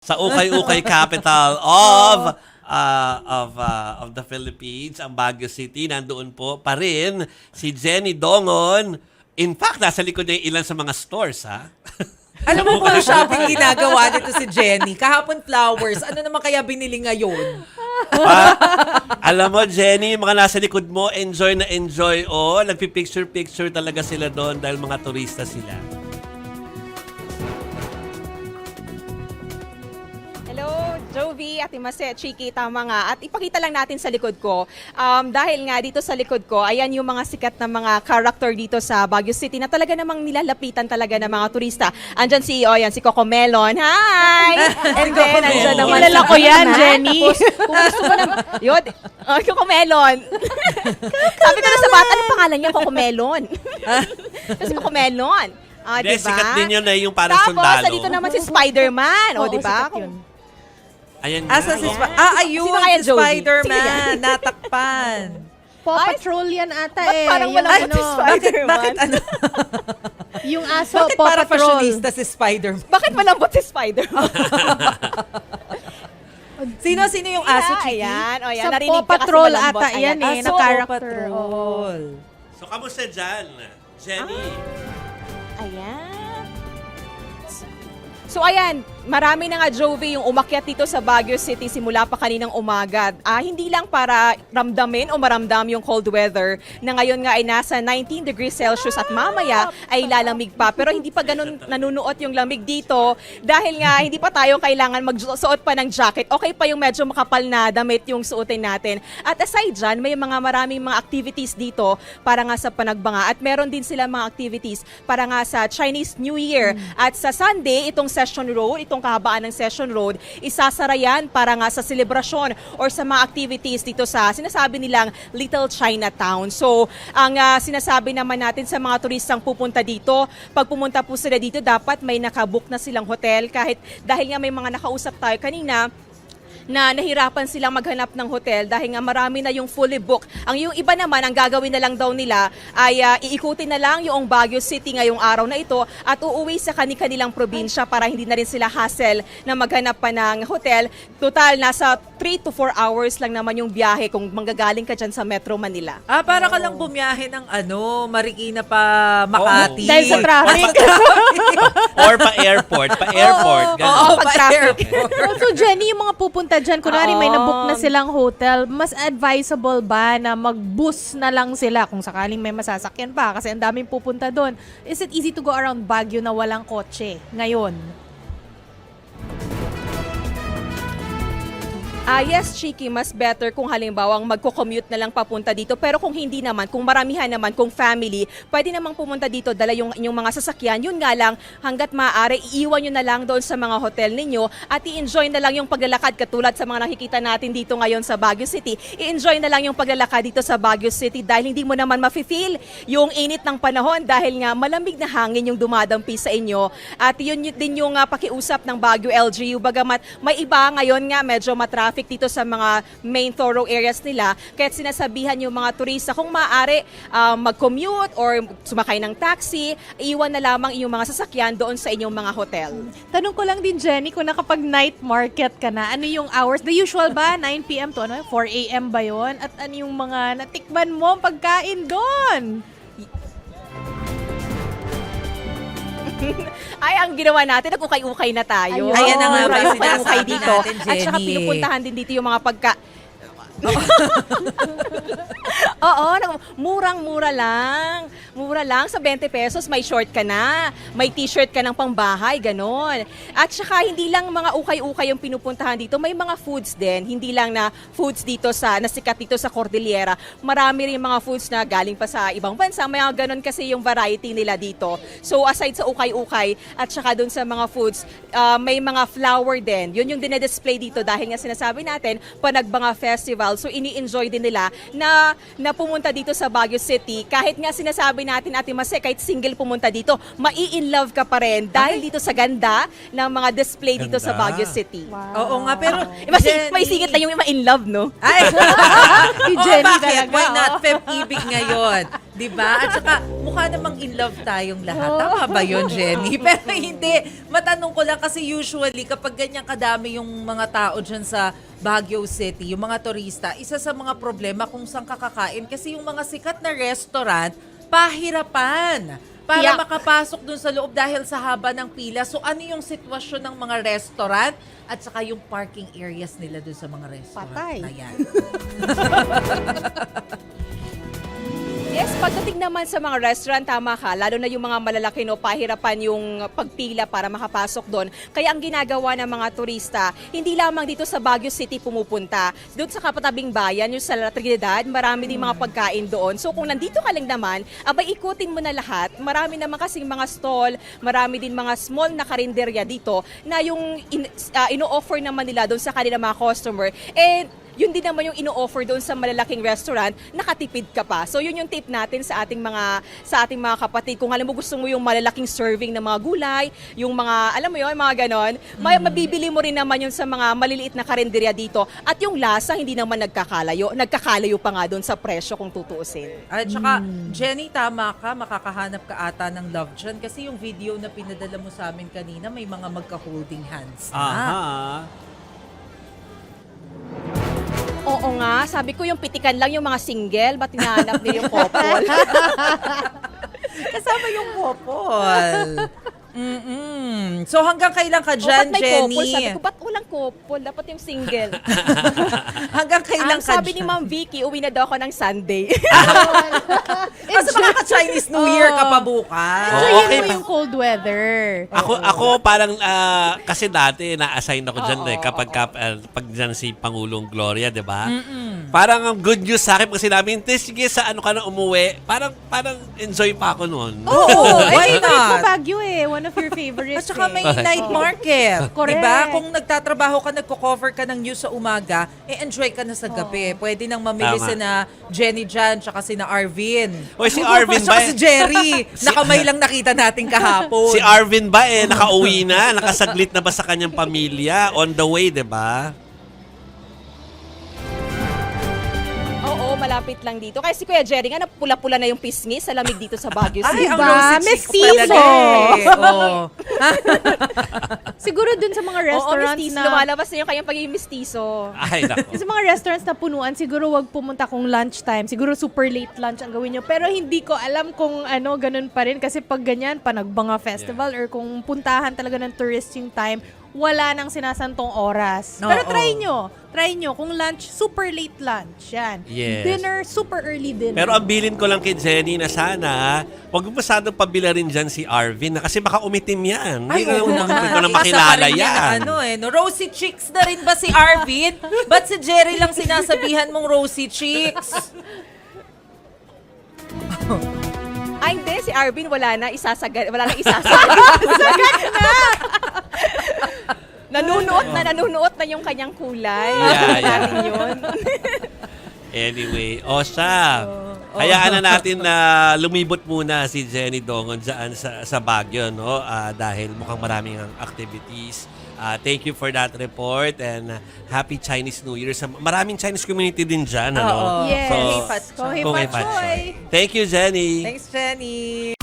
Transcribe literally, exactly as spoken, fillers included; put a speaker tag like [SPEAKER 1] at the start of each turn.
[SPEAKER 1] Sa ukay-ukay capital of uh, of uh, of the Philippines, ang Baguio City. Nandoon po pa rin si Jenny Dongon. In fact, nasa likod niya yung ilan sa mga stores, ha?
[SPEAKER 2] Alam mo kung shopping ginagawa nito si Jenny? Kahapon flowers. Ano naman kaya binili ngayon?
[SPEAKER 1] Ah, alam mo, Jenny, mga nasa likod mo, enjoy na enjoy. Oh, nagpipicture-picture talaga sila doon dahil mga turista sila.
[SPEAKER 3] Hello, Jovi, Ate Mase, Chiki, tama nga. At ipakita lang natin sa likod ko. Um, dahil nga dito sa likod ko, ayan yung mga sikat na mga character dito sa Baguio City na talaga namang nilalapitan talaga ng mga turista. Andyan si, oh, yan, si Coco Melon. Hi! And then, andyan naman.
[SPEAKER 4] Kilala ko yan,
[SPEAKER 3] Ha?
[SPEAKER 4] Jenny.
[SPEAKER 3] Tapos, kung gusto mo naman, yun, oh, Coco Melon. Sabi ko na sa bata, anong pangalan niya? Coco Melon. Kasi Coco Melon. Ah,
[SPEAKER 1] Hindi,
[SPEAKER 3] diba?
[SPEAKER 1] sikat din yun na yung parang
[SPEAKER 3] Tapos,
[SPEAKER 1] sundalo.
[SPEAKER 3] dito naman si Spider-Man. O,
[SPEAKER 4] Oo,
[SPEAKER 3] di ba?
[SPEAKER 4] sikat yun.
[SPEAKER 1] Ayan nga.
[SPEAKER 2] Asa si
[SPEAKER 1] oh.
[SPEAKER 2] Sp- Ah, ayun,
[SPEAKER 3] Sino kaya,
[SPEAKER 2] si
[SPEAKER 3] Jovi?
[SPEAKER 2] Spider-Man. Natakpan.
[SPEAKER 4] Paw
[SPEAKER 3] Ay,
[SPEAKER 4] Patrol yan ata
[SPEAKER 3] ba't
[SPEAKER 4] eh.
[SPEAKER 3] parang
[SPEAKER 4] Yung
[SPEAKER 3] walang
[SPEAKER 4] ano,
[SPEAKER 3] si Spider-
[SPEAKER 2] Bakit,
[SPEAKER 3] Spider-Man.
[SPEAKER 2] bakit ano?
[SPEAKER 4] yung aso,
[SPEAKER 2] Bakit
[SPEAKER 4] Paw
[SPEAKER 2] para
[SPEAKER 4] Patrol.
[SPEAKER 2] fashionista si Spider-Man?
[SPEAKER 3] Bakit malambot si Spider-Man?
[SPEAKER 2] Sino, sino yung aso, Chiki?
[SPEAKER 3] Ayan, o yan.
[SPEAKER 4] Sa
[SPEAKER 3] Narinig
[SPEAKER 4] Paw
[SPEAKER 3] ka kasi
[SPEAKER 4] Patrol
[SPEAKER 3] malambot.
[SPEAKER 4] ata
[SPEAKER 3] Ayan.
[SPEAKER 4] yan eh,
[SPEAKER 3] Ah,
[SPEAKER 4] na
[SPEAKER 3] so,
[SPEAKER 4] character. Oo.
[SPEAKER 2] Patrol.
[SPEAKER 1] So, kamusta dyan, Jenny?
[SPEAKER 3] Ayan. So ayan, marami na nga, Jovi, yung umakyat dito sa Baguio City simula pa kaninang umaga. Ah, hindi lang para ramdamin o maramdam yung cold weather na ngayon nga ay nasa nineteen degrees Celsius at mamaya ay lalamig pa. Pero hindi pa ganun nanunuot yung lamig dito dahil nga hindi pa tayo kailangan magsuot pa ng jacket. Okay pa yung medyo makapal na damit yung suotin natin. At aside dyan, may mga maraming mga activities dito para nga sa panagbanga. At meron din sila mga activities para nga sa Chinese New Year. At sa Sunday, itong Session Road, itong kahabaan ng Session Road, isasara yan para nga sa selebrasyon or sa mga activities dito sa sinasabi nilang Little Chinatown. So, ang uh, sinasabi naman natin sa mga turistang pupunta dito, pag pumunta po sila dito, dapat may nakabook na silang hotel kahit dahil nga may mga nakausap tayo kanina, na nahirapan silang maghanap ng hotel dahil nga marami na yung fully booked. Ang yung iba naman, ang gagawin na lang daw nila ay uh, iikutin na lang yung Baguio City ngayong araw na ito at uuwi sa kani-kanilang probinsya para hindi na rin sila hassle na maghanap pa ng hotel. Total, nasa three to four hours lang naman yung biyahe kung manggagaling ka dyan sa Metro Manila.
[SPEAKER 2] Ah, para ka lang bumiyahe ng ano, Marikina pa Makati.
[SPEAKER 4] Dahil sa traffic.
[SPEAKER 1] Or pa-airport. Pa-airport.
[SPEAKER 2] Oo,
[SPEAKER 1] ganun.
[SPEAKER 2] oo,
[SPEAKER 3] pag traffic.
[SPEAKER 2] pa-airport.
[SPEAKER 4] So Jenny, yung mga pupunta dyan, kunwari may
[SPEAKER 3] Oo.
[SPEAKER 4] nabook na silang hotel, mas advisable ba na mag-bus na lang sila kung sakaling may masasakyan pa? Kasi ang daming pupunta doon. Is it easy to go around Baguio na walang kotse ngayon?
[SPEAKER 3] Ah, yes, Chiki, mas better kung halimbawang magko-commute na lang papunta dito. Pero kung hindi naman, kung maramihan naman, kung family, pwede namang pumunta dito, dala yung inyong mga sasakyan. Yun nga lang, hanggat maaari, iiwan nyo na lang doon sa mga hotel ninyo at i-enjoy na lang yung paglalakad katulad sa mga nakikita natin dito ngayon sa Baguio City. I-enjoy na lang yung paglalakad dito sa Baguio City dahil hindi mo naman mafe-feel yung init ng panahon dahil nga malamig na hangin yung dumadampi sa inyo. At yun, yun din yung uh, pakiusap ng Baguio L G U. Bagamat may iba ngayon nga medyo matraffic dito sa mga main thorough areas nila. Kaya sinasabihan yung mga turista kung maaari uh, mag-commute or sumakay ng taxi, iwan na lamang yung mga sasakyan doon sa inyong mga hotel.
[SPEAKER 4] Tanong ko lang din, Jenny, kung nakapag night market ka na, ano yung hours? The usual ba? nine p.m. to ano? four a.m. ba yon? At ano yung mga natikman mo ang pagkain doon?
[SPEAKER 3] Ay, ang ginawa natin, nag-ukay-ukay na tayo.
[SPEAKER 4] Ayun. Ayan na nga
[SPEAKER 3] Oo,
[SPEAKER 4] ba,
[SPEAKER 3] ukay-ukay
[SPEAKER 2] sinasabi
[SPEAKER 3] dito.
[SPEAKER 2] natin,
[SPEAKER 3] At saka
[SPEAKER 2] Jenny.
[SPEAKER 3] pinupuntahan din dito yung mga pagka... Oo, nag- murang-mura lang. Mura lang, sa twenty pesos may short ka na, may t-shirt ka ng pangbahay, ganon. At saka hindi lang mga ukay-ukay yung pinupuntahan dito, may mga foods din. Hindi lang na foods dito sa, nasikat dito sa Cordillera. Marami rin mga foods na galing pa sa ibang bansa. May mga ganon kasi yung variety nila dito. So aside sa ukay-ukay at saka dun sa mga foods, uh, may mga flower din. Yun yung dinedisplay dito dahil nga sinasabi natin, Panagbanga Festival. So ini-enjoy din nila na, na pumunta dito sa Baguio City. Kahit nga sinasabi natin, Ate Mase, kahit single pumunta dito, mai-in-love ka pa rin dahil dito sa ganda ng mga display dito sa
[SPEAKER 1] Ganda.
[SPEAKER 3] Baguio City.
[SPEAKER 2] Oo nga, pero
[SPEAKER 3] Eh, mas,
[SPEAKER 2] Jenny-
[SPEAKER 3] may singit na yung ma-in-love, no?
[SPEAKER 2] Ay!
[SPEAKER 4] Si
[SPEAKER 2] Oh,
[SPEAKER 4] Jenny
[SPEAKER 2] bakit?
[SPEAKER 4] talaga,
[SPEAKER 2] Why not?
[SPEAKER 4] oh.
[SPEAKER 2] Feb ibig ngayon. Di ba? At saka, mukha namang in love tayong lahat. Tama ba yun, Jenny? Pero hindi. Matanong ko lang kasi usually, kapag ganyan kadami yung mga tao dyan sa Baguio City, yung mga turista, isa sa mga problema kung saan kakakain. Kasi yung mga sikat na restaurant, pahirapan para
[SPEAKER 4] Tiyak.
[SPEAKER 2] makapasok dun sa loob dahil sa haba ng pila. So ano yung sitwasyon ng mga restaurant at saka yung parking areas nila dun sa mga restaurant
[SPEAKER 3] Patay.
[SPEAKER 2] na yan?
[SPEAKER 3] Yes, pagdating naman sa mga restaurant, tama ka. Lalo na yung mga malalaki, no, pahirapan yung pagpila para makapasok doon. Kaya ang ginagawa ng mga turista, hindi lamang dito sa Baguio City pumupunta. Doon sa kapatabing bayan, yung sa La Trinidad, marami din mga pagkain doon. So kung nandito ka lang naman, abay ikutin mo na lahat. Marami naman kasing mga stall, marami din mga small na karinderya dito na yung in, uh, ino-offer naman nila doon sa kanilang mga customer. And yun din naman yung ino-offer doon sa malalaking restaurant, nakatipid ka pa. So yun yung tip natin sa ating mga sa ating mga kapatid. Kung alam mo gusto mo yung malalaking serving ng mga gulay, yung mga, alam mo yun, mga ganon, may mabibili mo rin naman yun sa mga maliliit na karinderya dito. At yung lasa, hindi naman nagkakalayo. Nagkakalayo pa nga doon sa presyo kung tutuusin.
[SPEAKER 2] At saka, Jenny, tama ka, makakahanap ka ata ng love dyan. Kasi yung video na pinadala mo sa amin kanina, may mga magka-holding hands na.
[SPEAKER 1] Aha.
[SPEAKER 3] Oo nga, sabi ko yung pitikan lang yung mga single, ba't hinahanap niyo yung couple?
[SPEAKER 2] Kasama yung couple. Mm-mm. So hanggang kailan ka
[SPEAKER 3] O,
[SPEAKER 2] dyan,
[SPEAKER 3] ba't may
[SPEAKER 2] Jenny?
[SPEAKER 3] couple? Sabi ko, ba't walang couple? Dapat yung single.
[SPEAKER 2] Hanggang kailan
[SPEAKER 3] Ang
[SPEAKER 2] ka
[SPEAKER 3] sabi ni
[SPEAKER 2] dyan?
[SPEAKER 3] Ma'am Vicky, uwi na daw ako ng Sunday.
[SPEAKER 2] Kasi makaka-Chinese New Year ka pa bukas.
[SPEAKER 1] Oo.
[SPEAKER 4] Enjoyin
[SPEAKER 1] okay
[SPEAKER 4] mo
[SPEAKER 1] pa.
[SPEAKER 4] yung cold weather.
[SPEAKER 1] Ako ako parang ah, kasi dati na-assign ako diyan
[SPEAKER 3] Oo,
[SPEAKER 1] eh kapag
[SPEAKER 3] oo.
[SPEAKER 1] kap- ah, pag diyan si Pangulong Gloria, 'di ba? Parang ang good news sa akin kasi namin, sige sa ano ka na umuwi, parang parang enjoy pa ako noon.
[SPEAKER 2] Oo, why
[SPEAKER 4] Favorite ko
[SPEAKER 2] not?
[SPEAKER 4] Baguio eh. One of your favorites
[SPEAKER 2] At saka may
[SPEAKER 4] eh.
[SPEAKER 2] night market.
[SPEAKER 4] Correct.
[SPEAKER 2] Diba? Kung nagtatrabaho ka, nagko-cover ka ng news sa umaga, eh enjoy ka na sa gabi. Pwede nang mamili
[SPEAKER 1] Tama.
[SPEAKER 2] si na Jenny Jan, tsaka si na Arvin.
[SPEAKER 1] Hoy, si Arvin ba?
[SPEAKER 2] Tsaka si Jerry. Nakamay lang nakita natin kahapon.
[SPEAKER 1] Si Arvin ba eh nakauwi na, nakasaglit na ba sa kanyang pamilya on the way, 'di ba?
[SPEAKER 3] Oo, malapit lang dito. Kasi si Kuya Jerry nga, pula-pula na yung pisngi sa lamig dito sa Baguio
[SPEAKER 2] Ay,
[SPEAKER 3] City.
[SPEAKER 2] ang
[SPEAKER 4] Diba?
[SPEAKER 2] rosy cheeks
[SPEAKER 4] Mestizo.
[SPEAKER 2] talaga eh. Oo.
[SPEAKER 4] Siguro dun sa mga
[SPEAKER 3] Oo,
[SPEAKER 4] restaurants
[SPEAKER 3] mestizo.
[SPEAKER 4] na...
[SPEAKER 3] Lumalabas na yung kanyang pagiging mestizo.
[SPEAKER 1] Ay, nako.
[SPEAKER 4] Sa mga restaurants na punuan, siguro wag pumunta kung lunchtime. Siguro super late lunch ang gawin nyo. Pero hindi ko alam kung ano, ganun pa rin. Kasi pag ganyan, panagbanga festival or kung puntahan talaga ng touristing time, wala nang sinasantong oras. Pero
[SPEAKER 2] Oo.
[SPEAKER 4] try nyo. Try nyo. Kung lunch, super late lunch. Yan.
[SPEAKER 1] Yes.
[SPEAKER 4] Dinner, super early dinner.
[SPEAKER 1] Pero ang bilin ko lang kay Jenny na sana, wag mo masyadong pabila rin dyan si Arvin na kasi baka umitim yan.
[SPEAKER 2] Ay,
[SPEAKER 1] Hindi ko
[SPEAKER 2] oo
[SPEAKER 1] na,
[SPEAKER 2] naman.
[SPEAKER 1] hindi ko na
[SPEAKER 2] Isa pa
[SPEAKER 1] makilala
[SPEAKER 2] rin
[SPEAKER 1] yan.
[SPEAKER 2] na ano eh, no? Rosy cheeks na rin ba si Arvin? Ba't si Jerry lang sinasabihan mong rosy cheeks?
[SPEAKER 3] Ay, hindi. Si Arvin, wala na. Isasagad. Wala na isasagad. Isasagad na. Nanunuot na, nanunuot na yung kanyang kulay.
[SPEAKER 1] Yeah, yeah.
[SPEAKER 3] Natin yun.
[SPEAKER 1] Anyway, o siya. Hayaan na natin na lumibot muna si Jenny Dongon dyan sa, sa Baguio, no? Ah, dahil mukhang maraming ang activities. Ah, thank you for that report and uh, happy Chinese New Year. Sa, maraming Chinese community din dyan, ano?
[SPEAKER 2] Oo.
[SPEAKER 4] Yes.
[SPEAKER 1] So,
[SPEAKER 2] Kohei Pat
[SPEAKER 4] Kohei
[SPEAKER 1] Kohei
[SPEAKER 4] Pat
[SPEAKER 1] Pat
[SPEAKER 4] Choy.
[SPEAKER 1] Choy. Thank you, Jenny.
[SPEAKER 2] Thanks, Jenny.